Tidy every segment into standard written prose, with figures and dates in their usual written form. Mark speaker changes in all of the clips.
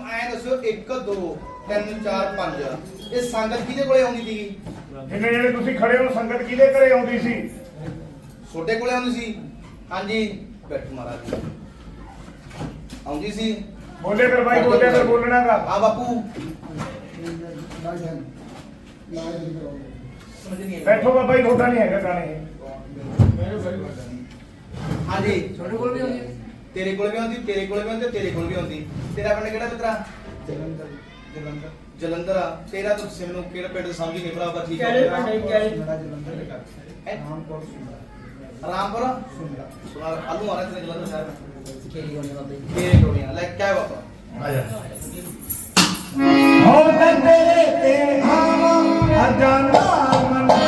Speaker 1: ਐ ਦੱਸੋ 1 2 3 4 5 ਇਹ ਸੰਗਤ ਕਿਹਦੇ ਕੋਲੇ ਆਉਂਦੀ ਸੀਗੀ?
Speaker 2: ਜਿੰਨੇ ਜਿਹੜੇ ਤੁਸੀਂ ਖੜੇ ਹੋ ਸੰਗਤ ਕਿਹਦੇ ਘਰੇ ਆਉਂਦੀ ਸੀ?
Speaker 1: ਛੋਟੇ ਕੋਲੇ ਆਉਂਦੀ ਸੀ। ਹਾਂਜੀ ਬੈਠੋ ਮਹਾਰਾਜ ਆਉਂਦੀ ਸੀ।
Speaker 2: ਬੋਲੇ ਫਿਰ ਬਾਈ ਬੋਲੇ ਫਿਰ ਬੋਲਣਾ ਗਾ।
Speaker 1: ਹਾਂ ਬਾਪੂ
Speaker 2: ਬੈਠੋ ਬਾਬਾ ਜੀ ਤੁਹਾਡਾ ਨਹੀਂ ਹੈਗਾ ਗਾਣੇ।
Speaker 1: ਹਾਂਜੀ
Speaker 3: ਤੁਹਾਡੇ ਕੋਲ ਵੀ ਆਉਂਦੀ ਹੈ?
Speaker 1: ਤੇਰੇ ਕੋਲ ਵੀ ਆਉਂਦੀ, ਤੇਰੇ ਕੋਲ ਵੀ ਆਉਂਦੀ, ਤੇਰੇ ਕੋਲ ਵੀ ਆਉਂਦੀ। ਤੇਰਾ ਪਿੰਡ ਕਿਹੜਾ ਮਿੱਤਰਾ? ਜਲੰਧਰ ਆ। ਤੇਰਾ ਤਾਂ ਮੈਨੂੰ ਕਿਹੜਾ ਪਿੰਡ ਸਮਝ ਨਹੀਂ ਭਰਾਵਾ। ਠੀਕ ਹੈ ਰਾਮਪੁਰ ਸੁਣਾ ਆਲੂ ਆ ਰਿਹਾ ਤੇਰੇ ਜਲੰਧਰ ਸ਼ਹਿਰ में तेरे टोलियां लाइक क्या है बाबा
Speaker 2: ਆਜਾ ਹੋ ਤੇਰੇ ਤੇ ਆਵਾ ਅਜਾਨਾ ਮਨਾ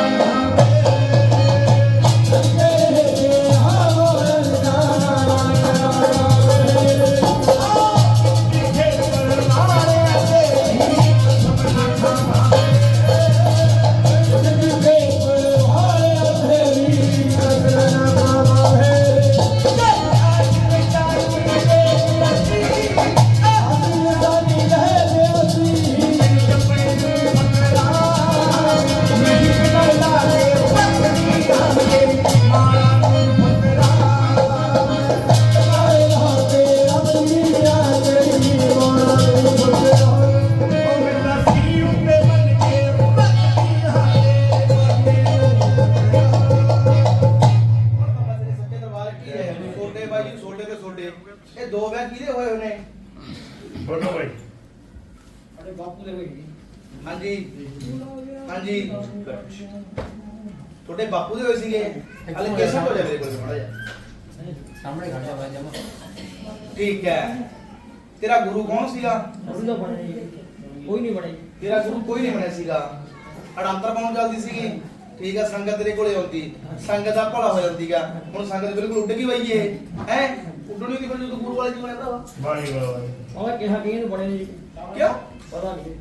Speaker 1: ਇਹ ਦੋ ਵਿਆਹ ਕਿਹਦੇ ਹੋਏ ਨੇ?
Speaker 2: ਬੋਲੋ ਬਾਈ।
Speaker 3: ਅਰੇ ਬਾਪੂ ਦੇ ਹੋਈ।
Speaker 1: ਹਾਂਜੀ ਹਾਂਜੀ ਤੁਹਾਡੇ ਬਾਪੂ ਦੇ ਹੋਏ ਸੀਗੇ। ਹਲੇ ਕੇਸਾ ਹੋ ਜਾਵੇ ਕੋਲ ਥੋੜਾ ਜਿਹਾ
Speaker 3: ਸਾਹਮਣੇ ਖੜਾ ਹੋਇਆ ਜਮਾ।
Speaker 1: ਠੀਕ ਹੈ। ਤੇਰਾ ਗੁਰੂ ਕੌਣ ਸੀਗਾ?
Speaker 3: ਗੁਰੂ ਦਾ ਬਣਿਆ ਜੀ। ਕੋਈ ਨਹੀਂ ਬਣਿਆ ਜੀ।
Speaker 1: ਤੇਰਾ ਗੁਰੂ ਕੋਈ ਨਹੀਂ ਬਣਿਆ ਸੀਗਾ। ਅੜੰਤਰ ਪਾਉਣ ਚੱਲਦੀ ਸੀਗੀ। ਠੀਕ ਹੈ ਸੰਗਤ ਤੇਰੇ ਕੋਲੇ ਆਉਂਦੀ, ਸੰਗਤ ਦਾ ਭਲਾ ਹੋ ਜਾਂਦੀਗਾ। ਹੁਣ ਸੰਗਤ ਬਿਲਕੁਲ ਉੱਡ ਗਈ ਬਈ ਇਹ ਹੈ ਉੱਡਣੀ ਦੀ ਫਿਰ ਜਦੋਂ ਗੁਰੂ ਵਾਲੇ ਦੀ ਬਣਿਆ ਭਰਾਵਾ।
Speaker 2: ਬਾਈ ਬਾਈ
Speaker 3: ਉਹ ਕਿਹਾ ਕਿ ਇਹਨੂੰ ਬਣੇ ਜੀ।
Speaker 1: ਕਿਉਂ
Speaker 3: ਪਤਾ ਨਹੀਂ।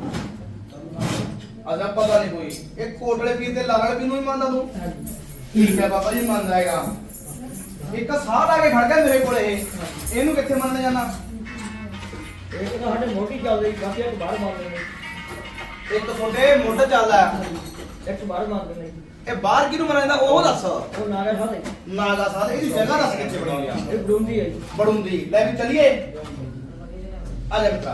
Speaker 1: ਅਜਾ ਪਤਾ ਨਹੀਂ ਕੋਈ ਇਹ ਕੋਟਲੇ ਪੀਰ ਤੇ ਲਾਲ ਵਾਲੇ ਪੀਰ ਨੂੰ ਹੀ ਮੰਨਦਾ ਤੂੰ? ਠੀਕ ਹੈ ਬਾਬਾ ਜੀ ਮੰਨ ਜਾਏਗਾ। ਇੱਕ ਸਾਹ ਲਾ ਕੇ ਖੜ ਗਿਆ ਮੇਰੇ ਕੋਲੇ ਇਹਨੂੰ ਕਿੱਥੇ ਮੰਨ ਜਾਣਾ?
Speaker 3: ਇਹ ਤਾਂ ਸਾਡੇ ਮੋਢੀ ਚੱਲ ਰਹੀ ਬਾਕੀ ਇੱਕ ਬਾਹਰ ਮਾਰਦੇ ਨੇ।
Speaker 1: ਇੱਕ ਤੁਹਾਡੇ ਮੁੱਢ ਚੱਲਦਾ
Speaker 3: ਇੱਕ ਬਾਹਰ ਮਾਰਦੇ ਨੇ।
Speaker 1: ਇਹ ਬਾਹਰ ਕਿਹਨੂੰ ਮੰਨਦਾ ਉਹ ਦੱਸ।
Speaker 3: ਉਹ ਨਾਗਾ ਖਾਦੇ।
Speaker 1: ਨਾਗਾ ਸਾਧ ਇਹਦੀ ਜਗ੍ਹਾ ਦੱਸ ਕਿੱਥੇ ਬਣਾਉਣੀ ਆ?
Speaker 3: ਇਹ ਬਰੂੰਦੀ ਹੈ ਜੀ।
Speaker 1: ਬੜੁੰਦੀ ਲੈ ਵੀ ਚਲੀਏ ਆ ਜਾ ਮਿੱਤਰਾ।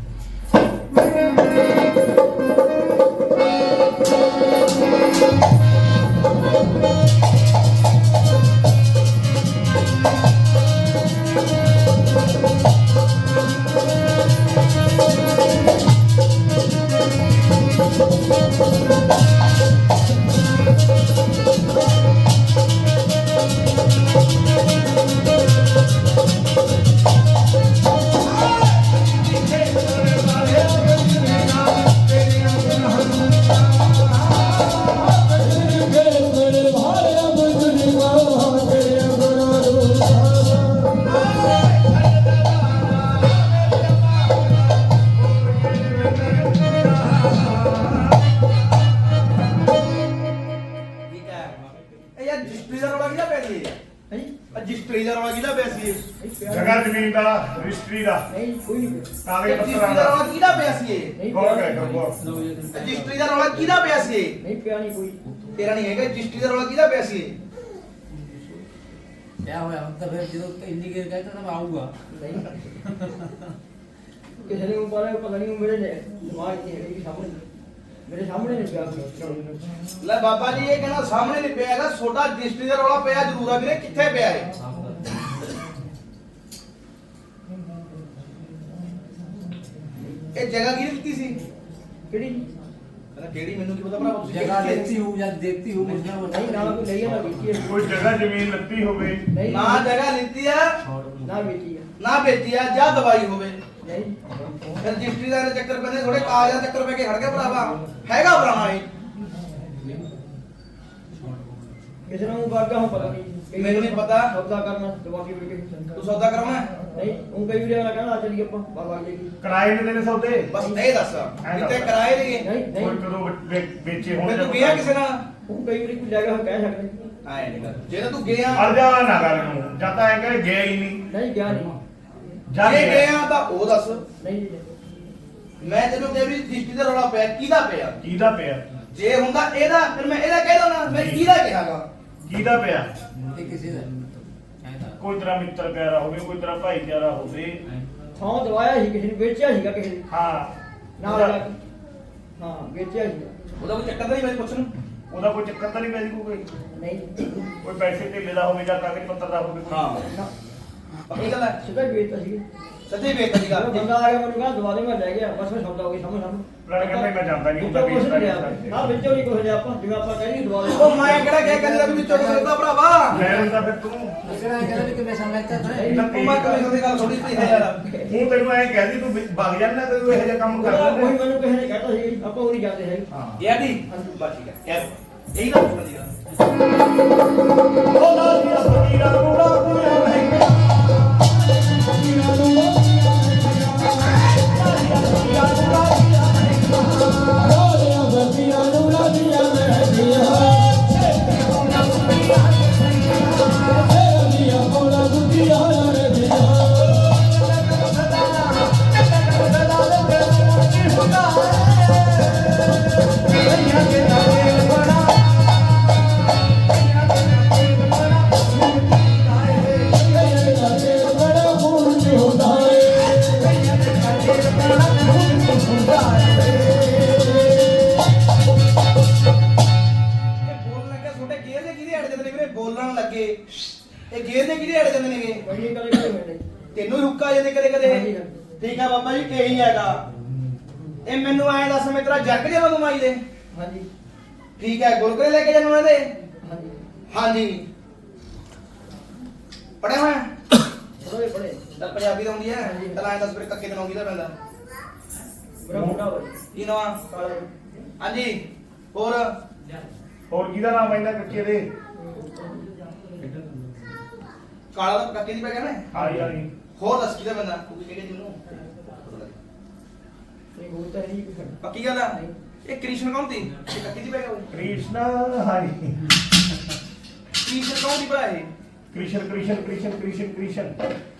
Speaker 1: ਰਜਿਸਟਰੀ ਦਾ ਰੌਲਾ ਕਿਹਦਾ ਪਿਆ ਸੀ?
Speaker 2: ਜਗ੍ਹਾ ਜ਼ਮੀਨ ਦਾ ਰਜਿਸਟਰੀ ਦਾ
Speaker 3: ਨਹੀਂ ਕੋਈ ਨਹੀਂ।
Speaker 2: ਕਾਗਜ਼
Speaker 1: ਰਜਿਸਟਰੀ
Speaker 2: ਪੱਤਰਾਂ
Speaker 1: ਦਾ
Speaker 2: ਦਾ
Speaker 1: ਰੌਲਾ ਕਿਹਦਾ ਪਿਆ ਸੀ?
Speaker 3: ਨਹੀਂ
Speaker 2: ਗੌਰ ਕਰੇ ਗੌਰ।
Speaker 1: ਰਜਿਸਟਰੀ ਦਾ ਰੌਲਾ ਕਿਹਦਾ ਪਿਆ ਸੀ?
Speaker 3: ਨਹੀਂ ਪਿਆ ਨਹੀਂ ਕੋਈ।
Speaker 1: ਤੇਰਾ ਨਹੀਂ ਹੈਗਾ। ਰਜਿਸਟਰੀ ਦਾ ਰੌਲਾ ਕਿਹਦਾ ਪਿਆ ਸੀ?
Speaker 4: क्या होया मतलब फिर जो इंडी गिर गए तो आऊंगा
Speaker 3: ਨਹੀਂ ਕਿਸੇ ਨੇ ਪਤਾ ਨਹੀਂ ਮੇਰੇ ਦਿਮਾਗ 'ਚ ਹੈ ਕਿ ਸਾਹਮਣੇ ਮੇਰੇ ਸਾਹਮਣੇ ਨਹੀਂ ਪਿਆ।
Speaker 1: ਲੈ ਬਾਬਾ ਜੀ ਇਹ ਕਹਿੰਦਾ ਸਾਹਮਣੇ ਨਹੀਂ ਪਿਆ ਹੈਗਾ। ਛੋਟਾ ਰਜਿਸਟਰੀ ਦਾ ਰੌਲਾ ਪਿਆ ਜ਼ਰੂਰ ਆ ਵੀਰੇ। ਕਿੱਥੇ ਪਿਆ ਹੈ? ਇਹ ਜਗ੍ਹਾ ਕਿਹਨੇ ਦਿੱਤੀ ਸੀ?
Speaker 3: ਕਿਹੜੀ
Speaker 1: ਕਹਿੰਦਾ ਕਿਹੜੀ ਮੈਨੂੰ ਕੀ ਪਤਾ ਭਰਾ ਤੁਸੀਂ
Speaker 4: जगह लेती हूँ या देखती हूँ मुझे वो
Speaker 3: ਨਹੀਂ ਨਾ ਕੋਈ ਲਈ ਨਾ ਵੇਚੀ ਹੈ।
Speaker 2: ਕੋਈ ਜਗ੍ਹਾ ਜ਼ਮੀਨ ਲੱਤੀ ਹੋਵੇ
Speaker 3: ਨਹੀਂ
Speaker 1: ਨਾ ਜਗ੍ਹਾ ਲਿੱਤੀ ਆ
Speaker 3: ਨਾ ਵੇਚੀ ਹੈ।
Speaker 1: ਨਾ ਵੇਚੀ ਆ ਜਾਂ ਦਵਾਈ ਹੋਵੇ।
Speaker 3: ਨਹੀਂ
Speaker 1: ਫਿਰ ਰਜਿਸਟਰੀ ਦਾ ਚੱਕਰ ਪੈਂਦੇ ਥੋੜੇ ਕਾਗਜ਼ਾਂ ਦਾ ਚੱਕਰ ਪੈ ਕੇ ਖੜ ਗਿਆ ਭਰਾਵਾ। ਹੈਗਾ ਪੁਰਾਣਾ ਇਹ
Speaker 3: ਕਿਸੇ ਨੂੰ ਵਰਗਾ ਹੁਣ ਪਤਾ ਨਹੀਂ।
Speaker 1: ਮੈਨੂੰ ਨਹੀਂ ਪਤਾ।
Speaker 3: ਸੌਦਾ ਕਰਨਾ ਦਿਮਾਗੀ ਵੇਖ ਕੇ
Speaker 1: ਤੂੰ ਸੌਦਾ ਕਰਾਉਣਾ ਹੈ?
Speaker 3: ਨਹੀਂ ਉਹ ਕਈ ਵੀਰੇ ਵਾਲਾ ਕਹਿੰਦਾ ਚੱਲੀ ਆਪਾਂ ਬਾਬਾ ਜੀ ਦੀ।
Speaker 2: ਕਿਰਾਏ ਨੇ ਦੇਣੇ ਸੌਦੇ
Speaker 1: ਬਸ ਇਹ ਦੱਸ ਕਿਤੇ ਕਿਰਾਏ ਲਈਏ?
Speaker 3: ਨਹੀਂ
Speaker 2: ਕੋਈ
Speaker 3: ਨਹੀਂ
Speaker 2: ਕਦੋਂ ਵੇਚੇ ਹੋਣ
Speaker 1: ਮੈਂ ਤੂੰ ਗਿਆ ਕਿਸੇ ਨਾਲ?
Speaker 3: ਉਹ ਕਈ ਵੀਰੇ ਕੋਈ ਲੈ ਗਿਆ ਕਹਿ ਸਕਦੇ।
Speaker 1: ਆਏ ਨਹੀਂ ਗੱਲ ਜੇ ਤੂੰ ਗਿਆ
Speaker 2: ਅਰਜਾ ਨਾ ਕਰ ਨੂੰ ਜਾਂ ਤਾਂ ਐ ਕਹੇ ਗਿਆ ਹੀ ਨਹੀਂ।
Speaker 3: ਨਹੀਂ ਗਿਆ ਨਹੀਂ।
Speaker 2: ਜਾ
Speaker 1: ਜੇ
Speaker 2: ਕੇ
Speaker 1: ਗਏ ਆ ਤਾਂ ਉਹ ਦੱਸ।
Speaker 3: ਨਹੀਂ ਜੀ
Speaker 1: ਮੈਂ ਤੈਨੂੰ ਕਿਹਾ ਵੀ ਦ੍ਰਿਸ਼ਟੀ ਦਾ ਰੌਲਾ ਪਿਆ, ਕਿਹਦਾ ਪਿਆ?
Speaker 2: ਕਿਹਦਾ ਪਿਆ?
Speaker 1: ਜੇ ਹੁੰਦਾ ਇਹਦਾ, ਫਿਰ ਮੈਂ ਇਹਦਾ ਕਹਿ ਦਉਣਾ, ਮੈਂ ਕਿਹਦਾ ਕਿਹਾਗਾ?
Speaker 2: ਕਿਹਦਾ ਪਿਆ?
Speaker 4: ਇਹ ਕਿਸੇ ਦਾ ਕਹਿੰਦਾ
Speaker 2: ਕੋਈ ਤੇਰਾ ਮਿੱਤਰ ਪਿਆਰਾ ਹੋਵੇ, ਕੋਈ ਤੇਰਾ ਭਾਈਚਾਰਾ ਹੋਵੇ।
Speaker 3: ਥਾਂ ਦਵਾਇਆ ਸੀ ਕਿਸੇ ਨੇ, ਵੇਚਿਆ ਸੀਗਾ ਕਿਸੇ ਨੇ
Speaker 2: ਹਾਂ
Speaker 3: ਨਾਲ ਜਾ ਕੇ। ਹਾਂ ਵੇਚਿਆ ਸੀਗਾ।
Speaker 1: ਉਹਦਾ ਕੋਈ ਚੱਕਰ ਤਾਂ ਨਹੀਂ, ਮੈਂ ਪੁੱਛ ਨੂੰ।
Speaker 2: ਉਹਦਾ ਕੋਈ ਚੱਕਰ ਤਾਂ ਨਹੀਂ ਪੈ ਜੀ ਕੋਈ?
Speaker 3: ਨਹੀਂ
Speaker 2: ਕੋਈ ਪੈਸੇ ਧੇਲੇ ਦਾ ਹੋਵੇ ਜਾਂ ਕਾਗਜ਼ ਪੱਤਰ ਦਾ ਹੋਵੇ ਕੋਈ?
Speaker 1: ਹਾਂ
Speaker 3: ਨਾ
Speaker 1: ਪੱਕੀ ਗੱਲ ਹੈ,
Speaker 3: ਸਿੱਧਾ ਹੀ ਵੇਚਤਾ ਸੀਗਾ।
Speaker 1: ਸੱਚੀ ਵੇਚ ਦੀ ਗੱਲ।
Speaker 3: ਜਦੋਂ ਬੰਦਾ ਆ ਗਿਆ ਮੈਨੂੰ ਕਹਿੰਦਾ ਦਵਾ ਦੇ, ਮੈਂ ਲੈ ਗਿਆ, ਬਸ ਮੈਂ ਸੌਦਾ ਹੋ ਗਿਆ ਸਾਹਮਣੇ
Speaker 2: ਲੜ ਕਹਿੰਦਾ ਮੈਂ ਜਾਂਦਾ ਨਹੀਂ ਹੁੰਦਾ,
Speaker 3: ਵਿੱਚੋਂ ਕੁਛ
Speaker 2: ਵੇਚਦਾ
Speaker 3: ਨਹੀਂ
Speaker 2: ਨਹੀਂ
Speaker 3: ਲਿਆ। ਹਾਂ ਵਿੱਚੋਂ ਨਹੀਂ ਕੁਛ ਲਿਆ ਆਪਾਂ, ਜਿਵੇਂ ਆਪਾਂ ਕਹਿੰਦੇ ਦਵਾ ਦੇ।
Speaker 1: ਉਹ ਮੈਂ ਕਿਹੜਾ ਕਹਿ ਕਹਿੰਦਾ ਵੀ ਵਿੱਚੋਂ ਕਰਦਾ ਭਰਾਵਾ।
Speaker 2: ਲੈ ਹੁੰਦਾ ਫਿਰ ਤੂੰ।
Speaker 4: ਅਸਰਾ ਕਹਿੰਦਾ ਵੀ ਕਿਵੇਂ ਸਮਝਦਾ ਤੂੰ
Speaker 1: ਉਹ ਮੈਂ ਕਮਿਸ਼ਨ ਦੀ ਗੱਲ ਥੋੜੀ ਸੀ ਯਾਰ।
Speaker 2: ਤੂੰ ਤੈਨੂੰ ਐਂ ਕਹਿੰਦੀ ਤੂੰ ਵਗ ਜਾਂਦਾ ਤੇ ਤੂੰ ਇਹੋ ਜਿਹਾ ਕੰਮ
Speaker 3: ਉਹਦਾ
Speaker 2: ਕਰਦਾ
Speaker 3: ਕੋਈ ਮੈਨੂੰ ਕਿਸੇ ਨੇ ਕਹਿਤਾ ਸੀ, ਆਪਾਂ ਉਹ ਨਹੀਂ ਜਾਂਦੇ ਹੈਗੇ।
Speaker 2: ਹਾਂ
Speaker 1: ਗਿਆ ਦੀ ਬਸ ਠੀਕ ਹੈ ਕਹਿ ਇਹੀ ਤਾਂ ਪੁੱਛਣ ਦੀ ਗੱਲ।
Speaker 2: ਉਹ ਨਾਲ ਦੀ ਫਕੀਰਾਂ ਨੂੰ ਰਾਪੂਆਂ ਵਹਿੰਗਾ ਫਕੀਰਾਂ ਨੂੰ
Speaker 1: ਬੋਲਣ ਲੱਗੇ ਇਹ ਗੇਰ ਦੇ ਕਿਹਦੇ ਅੜ ਜਾਂਦੇ ਨੇਗੇ?
Speaker 3: ਬੜੀ ਕਦੇ ਕਦੇ ਹੋਏ
Speaker 1: ਤੈਨੂੰ ਹੀ ਹੁੱਕਾ ਜਾਂਦੇ ਕਦੇ ਕਦੇ। ਠੀਕ ਆ ਬਾਬਾ ਜੀ ਇਹੀ ਹੈਗਾ। ਇਹ ਮੈਨੂੰ ਐਂ ਦੱਸ, ਮੈਂ ਤੇਰਾ ਜੱਗ ਜਾਵਾਂ ਤੂੰ ਮਾਈ ਦੇ?
Speaker 3: ਹਾਂਜੀ
Speaker 1: ਠੀਕ ਹੈ ਗੁਰਕਰੇ ਲੈ ਕੇ ਜਾਣਾ ਇਹਦੇ?
Speaker 3: ਹਾਂਜੀ
Speaker 1: ਹਾਂਜੀ ਪੜਿਆ ਹੋਇਆ?
Speaker 3: ਬੜੇ ਬੜੇ
Speaker 1: ਤਾਂ ਪੰਜਾਬੀ ਤਾਂ ਹੁੰਦੀ ਹੈ।
Speaker 3: ਹਾਂਜੀ।
Speaker 1: ਤਾਂ ਐਂ ਦੱਸ ਫਿਰ ਕੱਕੇ ਤੇ ਨੌਂ ਦਾ ਪੈਂਦਾ?
Speaker 3: ਬੜਾ ਮੁੰਡਾ ਹੋਇਆ
Speaker 1: ਕੀ ਨਵਾਂ?
Speaker 3: ਕਾਲਾ
Speaker 1: ਹਾਂਜੀ ਹੋਰ?
Speaker 2: ਹੋਰ ਕਿਹਦਾ ਨਾਮ ਆਇੰਦਾ ਕੱਕੇ ਦੇ?
Speaker 1: ਕਾਲਾ ਦਾ ਕੱਕੇ ਦੀ ਪੈ ਗਿਆ ਨਾ?
Speaker 2: ਹਾਂ ਯਾਰ
Speaker 1: ਹੋਰ ਦੱਸ ਕਿਹਦਾ ਪੈਂਦਾ? ਤੂੰ ਕੀ ਕਹਿੰਦੀ ਤੈਨੂੰ?
Speaker 3: ਨਹੀਂ ਹੋਤਾ ਨਹੀਂ ਕੁਛ
Speaker 1: ਪੱਕੀ ਗੱਲ ਆ? ਇਹ ਕ੍ਰਿਸ਼ਨ ਕੌਣ ਸੀ? ਇਹ ਕੱਕੇ ਦੀ ਪੈ ਗਿਆ ਉਹ?
Speaker 2: ਕ੍ਰਿਸ਼ਨਾ ਹਾਂਜੀ
Speaker 1: ਕ੍ਰਿਸ਼ਨ ਕੌਣ ਦੀ ਭਲਾ ਇਹ?
Speaker 2: ਕ੍ਰਿਸ਼ਨ ਕ੍ਰਿਸ਼ਨ ਕ੍ਰਿਸ਼ਨ ਕ੍ਰਿਸ਼ਨ ਕ੍ਰਿਸ਼ਨ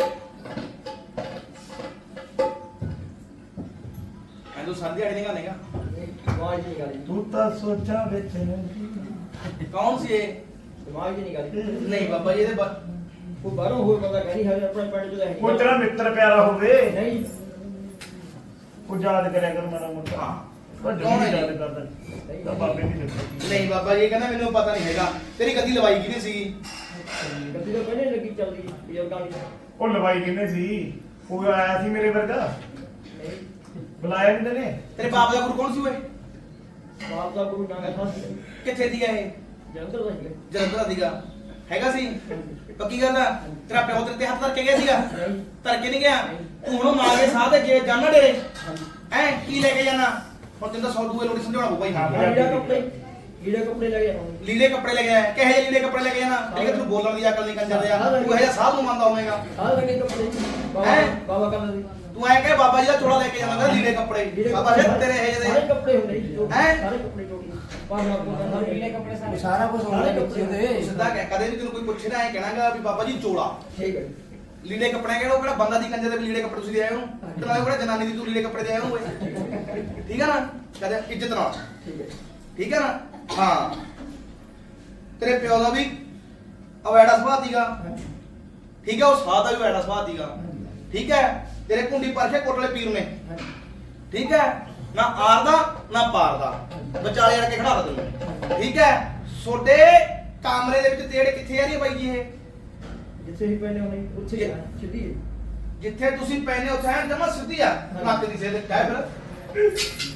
Speaker 1: ਮੈਂ ਤੂੰ ਸਰਦੀ ਆੜੀ ਨਹੀਂ ਗਾਣੇਗਾ।
Speaker 3: ਦਿਮਾਗ ਨਹੀਂ ਗਾਲੀ
Speaker 2: ਤੂੰ ਤਾਂ ਸੋਚਾਂ ਵਿੱਚ ਨਹੀਂ।
Speaker 1: ਕੌਣ ਸੀ ਇਹ?
Speaker 3: ਦਿਮਾਗ ਨਹੀਂ ਗਾਲੀ
Speaker 1: ਨਹੀਂ ਬਾਬਾ ਜੀ ਇਹਦੇ
Speaker 3: ਉਹ ਬਾਹਰੋਂ ਹੋਏ ਬੰਦਾ ਕਹਿੰਦੀ ਹੈ ਆਪਣੇ ਪਿੰਡ ਚ ਤਾਂ ਹੈ
Speaker 2: ਕੋਈ ਤੇਰਾ ਮਿੱਤਰ ਪਿਆਰਾ ਹੋਵੇ,
Speaker 3: ਨਹੀਂ
Speaker 2: ਕੋਈ ਯਾਦ ਕਰਿਆ ਕਰ ਮਾੜਾ ਮੋਟਾ।
Speaker 1: ਹਾਂ।
Speaker 2: ਪਰ
Speaker 1: ਕੌਣ ਹੈ
Speaker 2: ਜਦੋਂ
Speaker 1: ਜੀ?
Speaker 2: ਯਾਦ ਕਰਦਾ ਤਾਂ ਬਾਬੇ ਦੀ ਦਿੱਤੀ।
Speaker 1: ਨਹੀਂ ਬਾਬਾ ਜੀ ਕਹਿੰਦਾ ਮੈਨੂੰ ਪਤਾ ਨਹੀਂ ਹੈਗਾ। ਤੇਰੀ ਗੱਦੀ ਲਵਾਈ ਕਿਹਦੀ ਸੀਗੀ?
Speaker 3: ਗੱਡੀ ਤਾਂ ਪਹਿਲੇ ਲੱਗੀ ਚੱਲਦੀ ਬਜ਼ੁਰਗਾਂ ਦੀ
Speaker 2: ਉਹ ਲਵਾਈ ਕਿੰਨੇ ਸੀ? ਕੋਈ ਆਇਆ ਸੀ ਮੇਰੇ ਵਰਗਾ?
Speaker 3: ਨਹੀਂ
Speaker 2: ਬੁਲਾਇਆ ਕਿੰਨੇ ਨੇ?
Speaker 1: ਤੇਰੇ ਬਾਪ ਦਾ ਗੁਰੂ ਕੌਣ ਸੀ ਓਏ?
Speaker 3: ਬਾਪ ਦਾ ਗੁਰੂ ਨਾਨਕ ਖਾਸ
Speaker 1: ਕਿੱਥੇ ਦੀਗਾ ਇਹ?
Speaker 3: ਜਲੰਧਰ ਦਾ ਸੀਗਾ
Speaker 1: ਜਲੰਧਰ ਦਾ ਦੀਗਾ ਹੈਗਾ ਸੀ? ਪੱਕੀ ਗੱਲ ਆ? ਤੇਰਾ ਪਿਓ ਤੇਰੇ ਤੇ ਹੱਥ ਧਰ ਕੇ ਗਿਆ ਸੀਗਾ?
Speaker 3: ਨਹੀਂ
Speaker 1: ਧਰ ਕੇ ਨਹੀਂ ਗਿਆ? ਤੂੰ ਹੁਣ ਮਾਰ ਕੇ ਸਾਹ ਤੇ ਜੇ ਜਾਣਾ ਡੇਰੇ
Speaker 3: ਹਾਂਜੀ
Speaker 1: ਹੈ ਕੀ ਲੈ ਕੇ ਜਾਣਾ? ਹੁਣ ਤੈਨੂੰ ਤਾਂ 100 ਦੂਏ ਲੋੜੀ ਸਮਝਾਉਣਾ ਪਊ ਭਾਈ।
Speaker 2: ਹਾਂ।
Speaker 3: ਲੀੜੇ ਕੱਪੜੇ ਲੈ ਗਿਆ ਹੁਣ
Speaker 1: ਲੀੜੇ ਕੱਪੜੇ ਲੈ ਕੇ ਆਇਆ? ਕਿਹੋ ਜਿਹੇ ਲੀੜੇ ਕੱਪੜੇ ਲੈ ਕੇ ਜਾਣਾ? ਠੀਕ ਹੈ ਤੈਨੂੰ ਬੋਲਣ ਦੀ ਅਕਲ ਨਹੀਂ ਕੰਜਰ ਦਿਆ। ਤੂੰ ਇਹ ਜਿਹਾ ਸਾਹ ਨੂੰ ਮੰਨਦਾ ਹੋਵੇਂਗਾ।
Speaker 3: ਆਹ ਲੱਗੇ ਕੱਪੜੇ
Speaker 1: ਹੈਂ?
Speaker 3: ਬਾਬਾ ਕਹਿੰਦਾ ਸੀ
Speaker 1: ਤੂੰ ਐ ਕਹੇ ਬਾਬਾ ਜੀ ਦਾ ਚੋਲਾ ਲੈ ਕੇ ਜਾਣਾ ਲੀੜੇ ਕੱਪੜੇ। ਬਾਬਾ ਜੀ ਤੇਰੇ ਇਹ
Speaker 3: ਸਾਰੇ
Speaker 1: ਜਿਹੇ
Speaker 3: ਕੱਪੜੇ ਹੁੰਦੇ ਸੀ
Speaker 1: ਹੈਂ?
Speaker 3: ਸਾਰੇ ਕੱਪੜੇ ਟੋਟੀ ਪਾਣਾ ਸਾਰੇ ਲੀੜੇ ਕੱਪੜੇ ਸਾਰੇ
Speaker 4: ਸਾਰਾ ਕੁਝ ਹੋਣਾ ਵਿੱਚ ਉਹਦੇ
Speaker 1: ਸਿੱਧਾ ਕਹਿ ਕਦੇ ਵੀ ਤੈਨੂੰ ਕੋਈ ਪੁੱਛਣਾ ਐ ਕਹਿਣਾਗਾ ਵੀ ਬਾਬਾ ਜੀ ਚੋਲਾ
Speaker 3: ਠੀਕ ਹੈ
Speaker 1: ਲੀੜੇ ਕੱਪੜੇ ਕਿਹੜਾ ਉਹ ਕਿਹੜਾ ਬੰਦਾ ਦੀ ਕੰਜਰ ਦੇ ਵੀ ਲੀੜੇ ਕੱਪੜੇ ਤੁਸੀਂ ਦੇ ਆਏ ਹੋ ਤੇ ਨਾਲੇ ਕਿਹੜਾ ਜਨਾਨੀ ਦੀ ਤੂੰ ਲੀੜੇ ਕੱਪੜੇ ਦੇ ਆਏ ਹੋ ਓਏ। ਠੀਕ ਹੈ ਨਾ? ਕਦੇ ਇੱਜ਼ਤ ਨਾਲ।
Speaker 3: ਠੀਕ ਹੈ
Speaker 1: ਠੀਕ ਹੈ ਨਾ? ਹਾਂ ਤੇਰੇ ਪਿਓ ਦਾ ਵੀ ਅਵੈੜਾ ਸੁਭਾਅ ਸੀਗਾ। ਠੀਕ ਹੈ ਉਹ ਸਾਹ ਦਾ ਵੀ ਅਵੈੜਾ ਸੁਭਾਅ ਸੀਗਾ। ਠੀਕ ਹੈ ਤੇਰੇ ਕੁੰਡੀ ਪਰਖੇ ਕੋਟਲੇ ਪੀਰ ਨੇ। ਠੀਕ ਹੈ ਨਾ ਆਰ ਦਾ ਨਾ ਪਾਰ ਦਾ ਵਿਚਾਲੇ ਅੜ ਕੇ ਖੜਾ ਤਾ ਤੈਨੂੰ। ਠੀਕ ਹੈ ਛੋਡੇ ਕਮਰੇ ਦੇ ਵਿੱਚ ਤੇੜ ਕਿੱਥੇ ਆ ਰਹੀ ਹੈ ਬਾਈ ਜੀ ਇਹ?
Speaker 3: ਜਿੱਥੇ ਹੀ ਪੈਣੇ ਹੋਣੇ ਉੱਥੇ ਹੀ ਜਾਣਾ, ਸਿੱਧੀ ਹੈ।
Speaker 1: ਜਿੱਥੇ ਤੁਸੀਂ ਪੈਨੇ ਉੱਥੇ ਐ ਜਮਾ ਸਿੱਧੀ ਆ ਨੱਕ ਦੀ ਸੇਧ ਕਹਿ ਫਿਰ।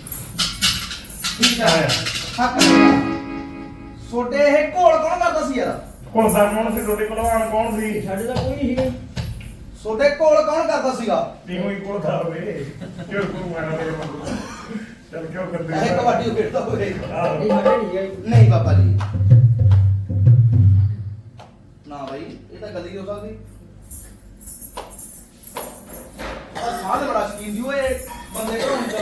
Speaker 1: ਠੀਕ ਹੈ ਹੱਕ ਛੋਡੇ ਇਹ ਘੋਲ ਕੌਣ ਕਰਦਾ ਸੀ ਯਾਰ?
Speaker 2: ਹੁਣ ਦਾ ਕੌਣ ਸੀ? ਤੁਹਾਡੇ ਭਲਵਾਨ ਕੌਣ ਸੀ?
Speaker 3: ਸਾਡੇ ਤਾਂ ਕੋਈ ਨਹੀਂ ਸੀਗਾ
Speaker 1: ਛੋਡੇ ਘੋਲ ਕੌਣ ਕਰਦਾ ਸੀਗਾ?
Speaker 2: ਤੀਨੋਂ ਹੀ ਕੋਲ ਖਾ ਹੋਵੇ ਕਿਉਂ ਕਰੂ ਮਾਰਾ ਚੱਲ ਕਿਉਂ ਕਰਦੇ
Speaker 1: ਇਹ ਕਬੱਡੀ ਖੇਡਦਾ ਹੋਵੇ।
Speaker 2: ਆਹੋ।
Speaker 3: ਨਹੀਂ ਸਾਡੇ ਨਹੀਂ ਸੀਗਾ
Speaker 1: ਨਹੀਂ ਬਾਬਾ ਜੀ ਨਾ ਭਾਈ ਇਹ ਤਾਂ ਗਲਤੀ ਹੋ ਸਕਦੀ। ਆ ਸਾਧ ਬੜਾ ਸ਼ਕੀਨ ਸੀ ਓਏ ਬੰਦੇ ਕੋਲ ਹੁੰਦਾ।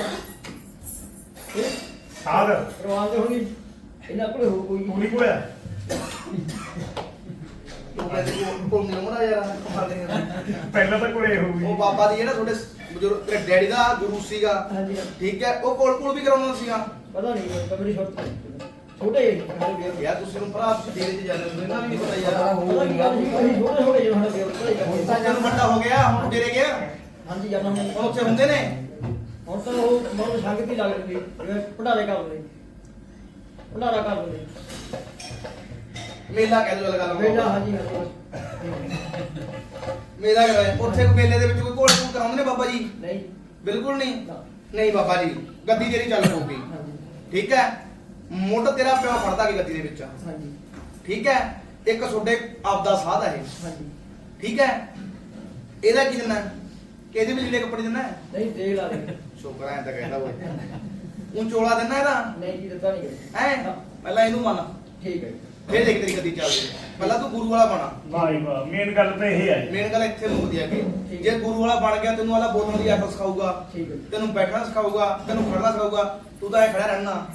Speaker 2: ਸਾਧ
Speaker 3: ਰਵਾਨ ਤੇ ਹੋਣੀ ਇਹਨਾਂ ਕੋਲੇ ਹੋ ਕੋਈ
Speaker 2: ਤੂੰ ਨਹੀਂ ਕੋਇਆ?
Speaker 1: ਕਿਤੇ ਕੋਲ ਨਹੀਂ ਮੁੰਡਾ ਯਾਰ ਕਮਾਲ ਦੇ
Speaker 2: ਪਹਿਲਾਂ ਤਾਂ ਕੋਲੇ ਹੋਊਗੀ
Speaker 1: ਉਹ ਬਾਬਾ ਦੀ ਜਿਹੜਾ ਤੁਹਾਡੇ ਬਜ਼ੁਰਗ ਤੇਰੇ ਡੈਡੀ ਦਾ ਗੁਰੂ ਸੀਗਾ
Speaker 3: ਹਾਂਜੀ
Speaker 1: ਠੀਕ ਹੈ ਉਹ ਕੋਲ ਵੀ ਕਰਾਉਂਦਾ ਸੀਗਾ
Speaker 3: ਪਤਾ ਨਹੀਂ ਕਬਰੀ ਛੋਟੇ ਛੋਟੇ ਜਿਹੇ
Speaker 1: ਯਾਰ ਤੁਸੀਂ ਨੂੰ ਭਰਾ ਡੇਰੇ 'ਚ ਜਾਂਦੇ ਹੁੰਦੇ ਨਾ ਵੀ ਪਤਾ ਯਾਰ
Speaker 3: ਪਤਾ ਨਹੀਂ ਗੱਲ ਸੀ ਕੋਈ ਛੋਟੇ ਛੋਟੇ ਜਿਹੇ ਸਾਡੇ
Speaker 1: ਹੁਣ ਤਾਂ ਜਦੋਂ ਵੱਡਾ ਹੋ ਗਿਆ ਹੁਣ ਡੇਰੇ ਗਿਆ
Speaker 3: ਹਾਂਜੀ ਜਾਨਾ ਹੁਣ
Speaker 1: ਹੁਣ ਉੱਥੇ ਹੁੰਦੇ ਨੇ
Speaker 3: ਹੁਣ ਤਾਂ ਉਹ ਬਹੁਤ ਸੰਗਤ ਹੀ ਲੱਗ ਰਹੀ ਜਿਵੇਂ ਭੰਡਾਰੇ ਕਰਦੇ ਭੰਡਾਰਾ ਕਰਦੇ
Speaker 1: ਮੇਲਾ ਕਹਿ ਦੋ ਗੱਲ
Speaker 3: ਮੇਲਾ ਹਾਂਜੀ ਹਾਂਜੀ
Speaker 1: ਮੇਲਾ ਕਰਾਇਆ ਉੱਥੇ ਕੋਈ ਮੇਲੇ ਦੇ ਵਿੱਚ ਕੋਈ ਘੋੜ ਕਰਾਉਂਦੇ ਨੇ ਬਾਬਾ ਜੀ
Speaker 3: ਨਹੀਂ
Speaker 1: ਬਿਲਕੁਲ ਨਹੀਂ
Speaker 3: ਨਾ।
Speaker 1: ਨਹੀਂ ਬਾਬਾ ਜੀ ਗੱਦੀ ਤੇਰੀ ਚੱਲ ਪਊਗੀ
Speaker 3: ਹਾਂਜੀ
Speaker 1: ਠੀਕ ਹੈ ਮੁੱਢ ਤੇਰਾ ਪਿਓ ਫੜਦਾ ਕਿ ਗੱਦੀ ਦੇ ਵਿੱਚ
Speaker 3: ਹਾਂਜੀ
Speaker 1: ਠੀਕ ਹੈ ਇੱਕ ਤੁਹਾਡੇ ਆਪਦਾ ਸਾਧ ਹੈ ਇਹ
Speaker 3: ਹਾਂਜੀ
Speaker 1: ਠੀਕ ਹੈ ਇਹਦਾ ਕੀ ਦਿੰਨਾ ਕਿ ਇਹਦੇ ਵਿੱਚ ਜਿਹੜੇ ਕੱਪੜੇ ਦਿੰਨਾ
Speaker 3: ਨਹੀਂ ਦੇ ਲਾ ਦੇ
Speaker 1: ਸ਼ੁਕਰ ਐ ਤਾਂ ਕਹਿੰਦਾ ਓਏ ਉਹ ਚੋਲਾ ਦਿੰਨਾ ਇਹਦਾ
Speaker 3: ਨਹੀਂ ਜੀ ਦਿੱਤਾ ਨਹੀਂ ਗਏ
Speaker 1: ਹੈ ਪਹਿਲਾਂ ਇਹਨੂੰ ਮੰਨ
Speaker 3: ਠੀਕ ਹੈ
Speaker 1: ਫੇਰ ਦੇਖ ਤੇਰੀ ਗੱਦੀ ਚੱਲਦੀ ਪਹਿਲਾਂ ਤੂੰ ਗੁਰੂ ਵਾਲਾ ਬਣਾ
Speaker 2: ਵਾਹ ਵਾਹ ਮੇਨ ਗੱਲ ਤਾਂ ਇਹ ਹੈ
Speaker 1: ਮੇਨ ਗੱਲ ਇੱਥੇ ਮੁੱਕਦੀ ਹੈ ਕਿ ਜੇ ਗੁਰੂ ਵਾਲਾ ਬਣ ਗਿਆ ਤੈਨੂੰ ਵਾਲਾ ਬੋਲਣ ਦੀ ਅਕਲ ਸਿਖਾਊਗਾ
Speaker 3: ਠੀਕ ਹੈ
Speaker 1: ਤੈਨੂੰ ਬੈਠਣਾ ਸਿਖਾਊਗਾ ਤੈਨੂੰ ਖੜਨਾ ਸਿਖਾਊਗਾ ਤੂੰ ਤਾਂ ਐ ਖੜਾ ਰਹਿਣਾ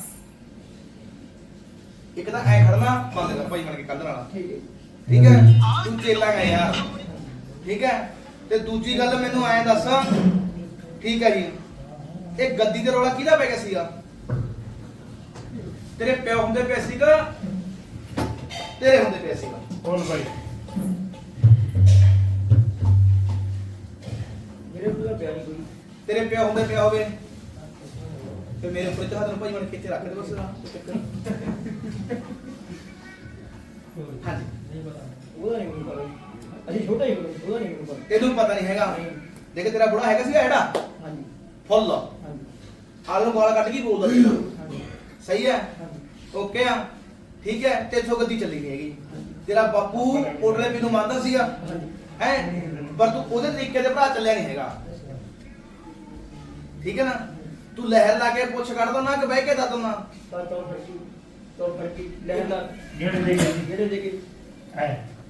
Speaker 1: ਇੱਕ ਤਾਂ ਐ ਖੜਨਾ ਬੰਦ ਕਰ ਭਾਈ ਬਣ ਕੇ ਕੱਢਣ ਵਾਲਾ
Speaker 3: ਠੀਕ ਹੈ
Speaker 1: ਠੀਕ ਹੈ ਤੂੰ ਚੇਲਾ ਹੈ ਯਾਰ ਠੀਕ ਹੈ ਤੇ ਦੂਜੀ ਗੱਲ ਮੈਨੂੰ ਐ ਦੱਸ ਠੀਕ ਹੈ ਜੀ ਇਹ ਗੱਦੀ ਤੇ ਰੌਲਾ ਕਿਹਦਾ ਪੈ ਗਿਆ ਸੀਗਾ ਤੇਰੇ ਪਿਓ ਹੁੰਦੇ ਪਏ ਸੀਗਾ ਤੇਰੇ ਹੁੰਦੇ ਪਏ ਸੀਗਾ
Speaker 2: ਬੋਲ ਭਾਈ
Speaker 3: ਮੇਰੇ ਕੋਲ ਪਿਆ ਨਹੀਂ ਕੋਈ
Speaker 1: ਤੇਰੇ ਪਿਓ ਹੁੰਦੇ ਪਿਆ ਹੋਵੇ ਤੇ ਮੇਰੇ ਉੱਪਰ ਹੱਥ ਨੂੰ ਭਾਈ ਬਣ ਕੇ ਇੱਥੇ ਰੱਖ ਦੇ ਬਸ ਕੋਈ ਚੱਕਰ ਨਹੀਂ। ਹਾਂਜੀ
Speaker 3: ਉਹਦਾ ਨਹੀਂ ਮੈਨੂੰ ਪਤਾ ਅਸੀਂ ਛੋਟਾ ਹੀ ਉਹਦਾ ਨਹੀਂ ਮੈਨੂੰ ਪਤਾ
Speaker 1: ਤੈਨੂੰ ਪਤਾ ਨਹੀਂ ਹੈਗਾ ਦੇਖ ਤੇਰਾ ਬੁੜਾ ਹੈਗਾ ਸੀਗਾ ਐਡਾ
Speaker 3: ਹਾਂਜੀ
Speaker 1: ਫੁੱਲ
Speaker 3: ਹਾਂਜੀ
Speaker 1: ਆਲੂ ਨੂੰ ਗਾਲ ਕੱਢ ਕੇ ਬੋਲਦਾ ਸੀਗਾ
Speaker 3: ਹਾਂਜੀ
Speaker 1: ਸਹੀ ਹੈ
Speaker 3: ਹਾਂਜੀ
Speaker 1: ਓਕੇ ਆ ਠੀਕ ਹੈ ਤੇ ਇੱਥੋਂ ਗੱਦੀ ਚੱਲੀ ਨਹੀਂ ਹੈਗੀ ਤੇਰਾ ਬਾਪੂ ਕੋਟਲੇ ਪੀ ਨੂੰ ਮੰਨਦਾ ਸੀਗਾ ਹੈ ਪਰ ਤੂੰ ਉਹਦੇ ਤਰੀਕੇ ਦੇ ਭਰਾ ਚੱਲਿਆ ਨਹੀਂ ਹੈਗਾ ਠੀਕ ਹੈ ਨਾ ਤੂੰ ਲਹਿਰ ਲਾ ਕੇ ਪੁੱਛ ਕੱਢ ਦੋ ਨਾ ਕਿ ਬਹਿ ਕੇ ਦੱਸ ਦੋ ਨਾ
Speaker 3: ਤਾਂ ਤੋੜ ਫੜਕੀ ਲੈ ਲਾ
Speaker 2: ਜਿਹੜੇ ਦੇ ਗਏ
Speaker 3: ਜਿਹੜੇ ਦੇ ਕੇ
Speaker 2: ਹੈ